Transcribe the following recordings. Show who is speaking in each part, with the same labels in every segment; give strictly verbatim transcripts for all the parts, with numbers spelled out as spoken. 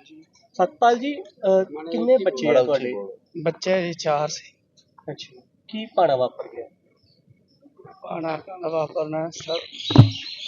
Speaker 1: सतपाल जी किन्ने बच्चे हैं तुहाडे?
Speaker 2: बच्चे जी चार से।
Speaker 1: अच्छा की भाना वापर गया?
Speaker 2: भाना वापरना सब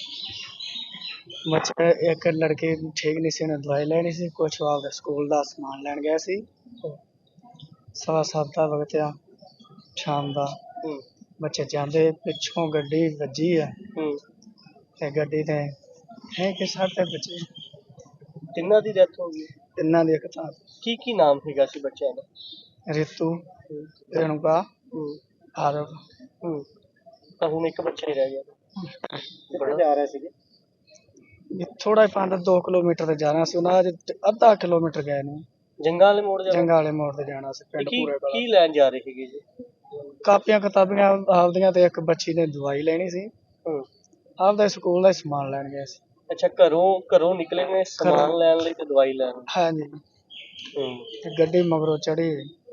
Speaker 2: बच्चे एक लड़की ठीक नहीं सी, उन्हें दवाई लेनी सी, कुछ आपके स्कूल का समान लैन गया सी। सवा सत्त दा वक्त आ शाम दा। बच्चे जांदे पिछों गड्डी वजी है ते गड्डी ते है कि साढ़े बच्चे
Speaker 1: तिन्ना दी डेथ हो गई?
Speaker 2: तिन्ना दी। एक तां
Speaker 1: की की नाम हैगा सी बच्चों दा?
Speaker 2: रितु, रेणुका, आरव।
Speaker 1: ਤਾਂ ਹੁਣ ਇੱਕ ਬੱਚਾ ਹੀ ਰਹਿ ਗਿਆ। ਕਿੱਥੇ ਜਾ ਰਹੇ ਸੀਗੇ?
Speaker 2: थोड़ा पांच दो किलोमीटर ते जाना सी, उन्हां अज अद्धा किलोमीटर गए ने।
Speaker 1: जंगा वाले मोड़ जाना?
Speaker 2: जंगा वाले मोड़ ते जाना सी पिंड
Speaker 1: की
Speaker 2: पूरे
Speaker 1: की लैन जा रहे ਸੀਗੇ ਜੀ?
Speaker 2: कापियां किताबियां आपदियां ते एक बच्ची ने दवाई लेनी सी। आपदा स्कूल दा समान लैन गए सी।
Speaker 1: अच्छा घरों घरों निकले ने समान लैन लई ते दवाई लैन?
Speaker 2: हाँ जी। ते गड्डी मगरों चढ़ी।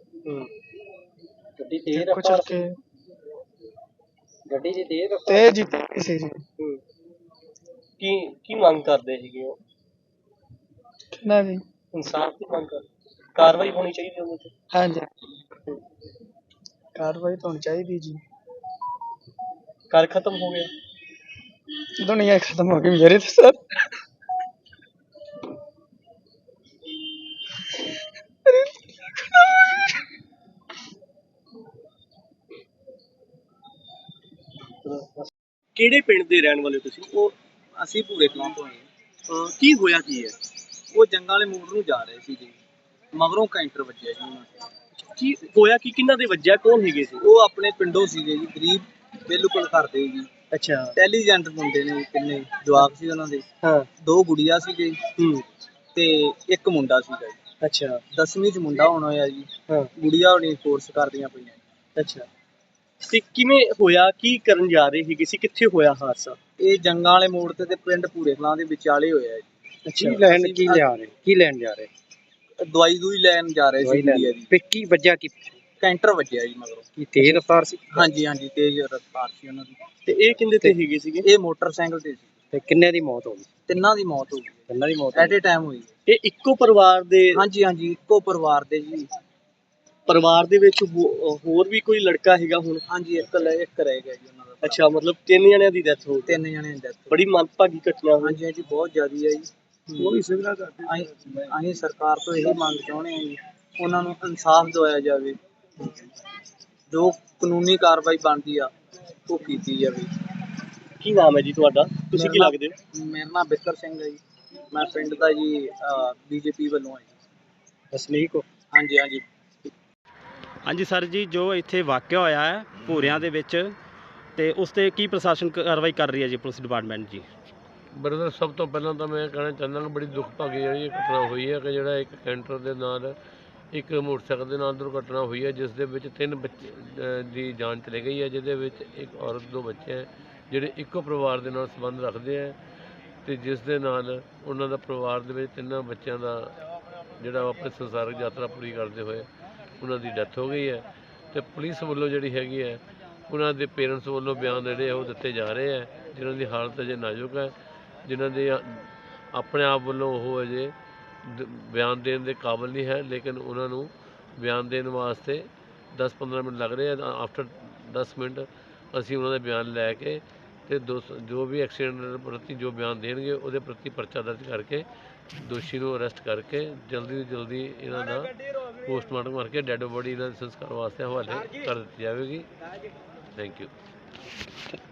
Speaker 1: गड्डी तेज
Speaker 2: रफ्तार
Speaker 1: के गड्डी दी तेज
Speaker 2: तेज ही सी जी।
Speaker 1: की की ਮੰਗ ਕਰਦੇ ਸੀਗੇ ਉਹ?
Speaker 2: किन्ना भी
Speaker 1: इंसाफ की मांग कर कार्रवाई होनी चाहिए ਉਹਦੇ ਤੇ।
Speaker 2: हाँ जी कार्रवाई तो होनी चाहिए जी।
Speaker 1: कर खत्म हो गया?
Speaker 2: दुनिया खत्म हो गई मेरे तो सर।
Speaker 1: ਕਿਹੜੇ ਪਿੰਡ ਦੇ ਰਹਿਣ ਵਾਲੇ ਤੁਸੀਂ?
Speaker 3: ਉਹ ਅਸੀਂ ਭੂਰੇ ਕਲਾਂ ਤੋਂ ਆਏ ਹਾਂ।
Speaker 1: ਕੀ ਹੋਇਆ ਕੀ ਹੈ?
Speaker 3: ਉਹ ਜੰਗਾਂ ਵਾਲੇ ਮੋੜ ਨੂੰ ਜਾ ਰਹੇ ਸੀ ਜੀ, ਮਗਰੋਂ ਕੈਂਟਰ ਵੱਜਿਆ ਜੀ ਉਹਨਾਂ ਤੇ।
Speaker 1: ਕੀ ਹੋਇਆ ਕੀ ਕਿੰਨਾ ਦੇ ਵੱਜਿਆ? ਕੌਣ ਹੈਗੇ ਸੀ?
Speaker 3: ਉਹ ਆਪਣੇ ਪਿੰਡੋਂ ਸੀਗੇ ਜੀ, ਗਰੀਬ ਬਿਲਕੁਲ ਕਰਦੇ ਜੀ।
Speaker 1: ਅੱਛਾ
Speaker 3: ਇੰਟੈਲੀਜੈਂਟ ਮੁੰਡੇ ਨੇ, ਕਿੰਨੇ ਜਵਾਕ ਸੀ ਉਹਨਾਂ ਦੇ।
Speaker 1: ਹਾਂ
Speaker 3: ਦੋ ਗੁੜੀਆਂ ਸੀਗੇ
Speaker 1: ਹੂੰ
Speaker 3: ਤੇ ਇੱਕ ਮੁੰਡਾ ਸੀਗਾ ਜੀ।
Speaker 1: ਅੱਛਾ
Speaker 3: ਦਸਵੀਂ ਚ ਮੁੰਡਾ ਹੋਣਾ ਹੋਇਆ ਜੀ,
Speaker 1: ਹਾਂ
Speaker 3: ਗੁੜੀਆਂ ਹੋਣੀ ਕੋਰਸ ਕਰਦੀਆਂ ਪਈਆਂ।
Speaker 1: ਅੱਛਾ ਤੇ ਕਿਵੇਂ ਹੋਇਆ? ਕੀ ਕਰਨ ਜਾ ਰਹੇ ਸੀਗੇ ਸੀ? ਕਿੱਥੇ ਹੋਇਆ ਹਾਦਸਾ?
Speaker 3: ਇਹ ਜੰਗਾਂ ਵਾਲੇ ਮੋੜ ਤੇ ਤੇ ਪਿੰਡ ਭੂਰੇ ਕਲਾਂ ਦੇ ਵਿਚਾਲੇ ਹੋਇਆ ਜੀ।
Speaker 1: ਅੱਛਾ
Speaker 4: ਲੈਣ ਕੀ ਲਿਆ ਰਹੇ ਕੀ ਲੈਣ ਜਾ ਰਹੇ?
Speaker 3: ਦਵਾਈ ਦੂਈ ਲੈਣ ਜਾ ਰਹੇ ਸੀ ਗੁੜੀਆ ਦੀ।
Speaker 4: ਤੇ ਕੀ ਵੱਜਿਆ ਕੀ?
Speaker 3: ਕੈਂਟਰ ਵੱਜਿਆ ਜੀ ਮਗਰੋਂ।
Speaker 4: ਕੀ ਤੇਜ਼ ਰਫ਼ਤਾਰ ਸੀ?
Speaker 3: ਹਾਂਜੀ ਹਾਂਜੀ ਤੇਜ਼ ਰਫ਼ਤਾਰ ਸੀ ਉਹਨਾਂ ਦੀ।
Speaker 1: ਤੇ ਇਹ ਕਿੰਦੇ ਤੇ ਹੈਗੇ ਸੀਗੇ?
Speaker 3: ਇਹ ਮੋਟਰਸਾਈਕਲ ਤੇ ਸੀ।
Speaker 4: ਤੇ ਕਿੰਨੇ ਦੀ ਮੌਤ ਹੋ ਗਈ?
Speaker 3: ਤਿੰਨਾਂ ਦੀ ਮੌਤ ਹੋ ਗਈ।
Speaker 4: ਤਿੰਨਾਂ ਦੀ ਮੌਤ
Speaker 3: ਐਟ ਏ ਟਾਈਮ ਹੋਈ।
Speaker 1: ਇਹ ਇੱਕੋ ਪਰਿਵਾਰ ਦੇ?
Speaker 3: ਹਾਂਜੀ ਹਾਂਜੀ ਇੱਕੋ ਪਰਿਵਾਰ ਦੇ ਜੀ।
Speaker 1: ਪਰਿਵਾਰ ਦੇ ਵਿੱਚ ਹੋ- ਹੋਰ ਵੀ ਕੋਈ ਲੜਕਾ ਹੈਗਾ ਹੁਣ?
Speaker 3: ਹਾਂਜੀ ਇੱਕ ਲੈ ਇੱਕ ਰਹਿ ਗਿਆ ਜੀ ਉਹਨਾਂ ਦਾ।
Speaker 1: ਅੱਛਾ ਮਤਲਬ ਤਿੰਨ ਜਣਿਆਂ ਦੀ ਡੈਥ ਹੋ ਗਈ?
Speaker 3: ਤਿੰਨ ਜਣੇ ਦੀ ਡੈਥ।
Speaker 1: ਬੜੀ ਮੰਦਭਾਗੀ ਘਟਨਾ ਹੋਈ।
Speaker 3: ਹਾਂਜੀ ਹਾਂਜੀ ਬਹੁਤ ਜ਼ਿਆਦੀ ਹੈ ਜੀ।
Speaker 1: ਉਹ ਵੀ ਸਿਵਲਾ ਕਰਦੇ।
Speaker 3: ਅਸੀਂ ਅਸੀਂ ਸਰਕਾਰ ਤੋਂ ਇਹੀ ਮੰਗ ਚਾਹੁੰਦੇ ਹਾਂ ਜੀ, ਉਹਨਾਂ ਨੂੰ ਇਨਸਾਫ ਦਿਵਾਇਆ ਜਾਵੇ, ਜੋ ਕਾਨੂੰਨੀ ਕਾਰਵਾਈ ਬਣਦੀ ਆ ਉਹ ਕੀਤੀ ਜਾਵੇ।
Speaker 1: ਕੀ ਨਾਮ ਹੈ ਜੀ ਤੁਹਾਡਾ? ਤੁਸੀਂ ਕੀ
Speaker 3: ਮੇਰਾ
Speaker 1: ਲੱਗਦੇ ਹੋ?
Speaker 3: ਮੇਰਾ ਨਾਮ ਬਿੱਕਰ ਸਿੰਘ ਹੈ ਜੀ। ਮੈਂ ਪਿੰਡ ਦਾ ਜੀ ਬੀਜੇਪੀ ਵੱਲੋਂ ਹਾਂ ਜੀ।
Speaker 4: ਵਸਨੀਕ ਹੋ?
Speaker 3: ਹਾਂਜੀ ਹਾਂਜੀ।
Speaker 5: ਹਾਂਜੀ ਸਰ ਜੀ, ਜੋ ਇੱਥੇ ਵਾਕਿਆ ਹੋਇਆ ਹੈ ਭੂਰਿਆਂ ਦੇ ਵਿੱਚ, ਤੇ ਉਸ 'ਤੇ ਕੀ ਪ੍ਰਸ਼ਾਸਨ ਕਾਰਵਾਈ ਕਰ ਰਹੀ ਹੈ ਜੀ, ਪੁਲਿਸ ਡਿਪਾਰਟਮੈਂਟ ਜੀ?
Speaker 6: ਬ੍ਰਦਰ ਸਭ ਤੋਂ ਪਹਿਲਾਂ ਤਾਂ ਮੈਂ ਕਹਿਣਾ ਚਾਹੁੰਦਾ ਕਿ ਬੜੀ ਦੁਖਭਾਗੀ ਜਿਹੜੀ ਇਹ ਘਟਨਾ ਹੋਈ ਹੈ ਕਿ ਜਿਹੜਾ ਇੱਕ ਕੈਂਟਰ ਦੇ ਨਾਲ ਇੱਕ ਮੋਟਰਸਾਈਕਲ ਦੇ ਨਾਲ ਦੁਰਘਟਨਾ ਹੋਈ ਹੈ, ਜਿਸ ਦੇ ਵਿੱਚ ਤਿੰਨ ਬੱਚੇ ਦੀ ਜਾਨ ਚਲੀ ਗਈ ਹੈ, ਜਿਹਦੇ ਵਿੱਚ ਇੱਕ ਔਰਤ ਦੋ ਬੱਚੇ ਹੈ ਜਿਹੜੇ ਇੱਕੋ ਪਰਿਵਾਰ ਦੇ ਨਾਲ ਸੰਬੰਧ ਰੱਖਦੇ ਹੈ, ਅਤੇ ਜਿਸ ਦੇ ਨਾਲ ਉਹਨਾਂ ਦਾ ਪਰਿਵਾਰ ਦੇ ਵਿੱਚ ਤਿੰਨਾਂ ਬੱਚਿਆਂ ਦਾ ਜਿਹੜਾ ਆਪਣੇ ਸੰਸਾਰਿਕ ਯਾਤਰਾ ਪੂਰੀ ਕਰਦੇ ਹੋਏ ਉਹਨਾਂ ਦੀ ਡੈਥ ਹੋ ਗਈ ਹੈ। ਅਤੇ ਪੁਲਿਸ ਵੱਲੋਂ ਜਿਹੜੀ ਹੈਗੀ ਹੈ ਉਹਨਾਂ ਦੇ ਪੇਰੈਂਟਸ ਵੱਲੋਂ ਬਿਆਨ ਜਿਹੜੇ ਆ ਉਹ ਦਿੱਤੇ ਜਾ ਰਹੇ ਹੈ, ਜਿਨ੍ਹਾਂ ਦੀ ਹਾਲਤ ਅਜੇ ਨਾਜ਼ੁਕ ਹੈ, ਜਿਨ੍ਹਾਂ ਦੇ ਆਪਣੇ ਆਪ ਵੱਲੋਂ ਉਹ ਅਜੇ ਬਿਆਨ ਦੇਣ ਦੇ ਕਾਬਿਲ ਨਹੀਂ ਹੈ, ਲੇਕਿਨ ਉਹਨਾਂ ਨੂੰ ਬਿਆਨ ਦੇਣ ਵਾਸਤੇ ਦਸ ਪੰਦਰਾਂ ਮਿੰਟ ਲੱਗ ਰਹੇ ਆ। ਆਫਟਰ ਦਸ ਮਿੰਟ ਅਸੀਂ ਉਹਨਾਂ ਦਾ ਬਿਆਨ ਲੈ ਕੇ ਅਤੇ ਦੋ ਜੋ ਵੀ ਐਕਸੀਡੈਂਟ ਪ੍ਰਤੀ ਜੋ ਬਿਆਨ ਦੇਣਗੇ ਉਹਦੇ ਪ੍ਰਤੀ ਪਰਚਾ ਦਰਜ ਕਰਕੇ ਦੋਸ਼ੀ ਨੂੰ ਅਰੈਸਟ ਕਰਕੇ ਜਲਦੀ ਤੋਂ ਜਲਦੀ ਇਹਨਾਂ ਦਾ ਪੋਸਟਮਾਰਟਮ ਕਰਕੇ ਡੈੱਡ ਬੋਡੀ ਇਹਨਾਂ ਦੇ ਸੰਸਕਾਰ ਵਾਸਤੇ ਹਵਾਲੇ ਕਰ ਦਿੱਤੀ ਜਾਵੇਗੀ। Thank you.